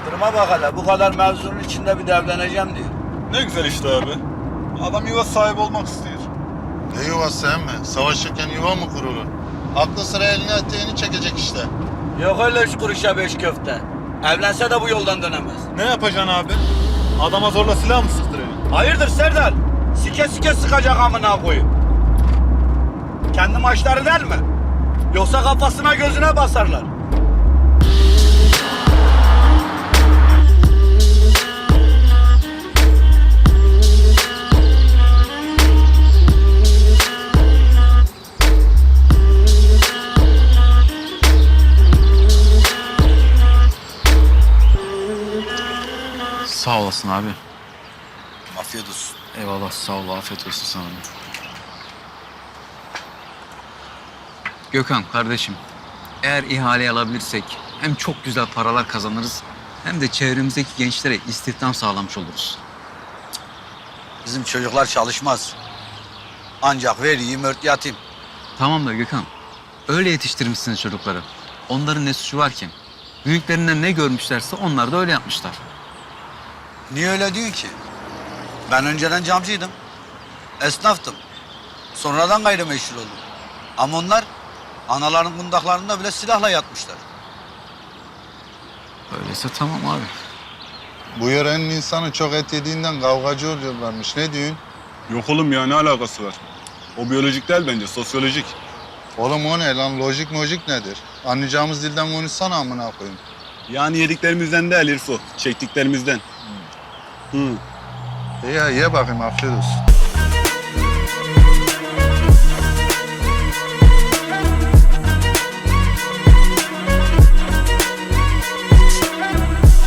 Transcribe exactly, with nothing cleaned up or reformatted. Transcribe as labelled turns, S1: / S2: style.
S1: Duruma bak hele, bu kadar mevzunun içinde bir de evleneceğim diyor.
S2: Ne güzel işte abi. Adam yuva sahibi olmak istiyor.
S3: Ne yuvası emmi? Savaşırken yuva mı kurulur? Aklı sıra eline eteğini çekecek işte.
S1: Yok öyle üç kuruşa beş köfte. Evlense de bu yoldan dönemez.
S2: Ne yapacaksın abi? Adama zorla silah mı sıktıracaksın?
S1: Hayırdır Serdar? Sike sike sıkacak amına koyup. Kendi maçları der mi? Yoksa kafasına gözüne basarlar.
S4: Sağ olasın abi.
S1: Afiyet olsun.
S4: Eyvallah, sağ ol. Afiyet olsun sana. Gökhan kardeşim, eğer ihale alabilirsek hem çok güzel paralar kazanırız hem de çevremizdeki gençlere istihdam sağlamış oluruz.
S1: Bizim çocuklar çalışmaz. Ancak veriyim ört yatim.
S4: Tamam da Gökhan, öyle yetiştirmişsiniz çocukları. Onların ne suçu var ki? Büyüklerinden ne görmüşlerse onlar da öyle yapmışlar.
S1: Niye öyle diyorsun ki? Ben önceden camcıydım. Esnaftım. Sonradan gayrimeşhur oldum. Ama onlar anaların kundaklarında bile silahla yatmışlar.
S4: Öyleyse tamam abi.
S3: Bu yörenin insanı çok et yediğinden kavgacı oluyorlarmış. Ne diyorsun?
S2: Yok oğlum ya, ne alakası var? O biyolojik değil bence, sosyolojik.
S3: Oğlum o ne lan? Lojik mojik nedir? Anlayacağımız dilden konuşsana amına koyayım.
S2: Yani yediklerimizden değil İrfo, çektiklerimizden. Hı.
S3: İyi ya, ye bakayım, afiyet olsun.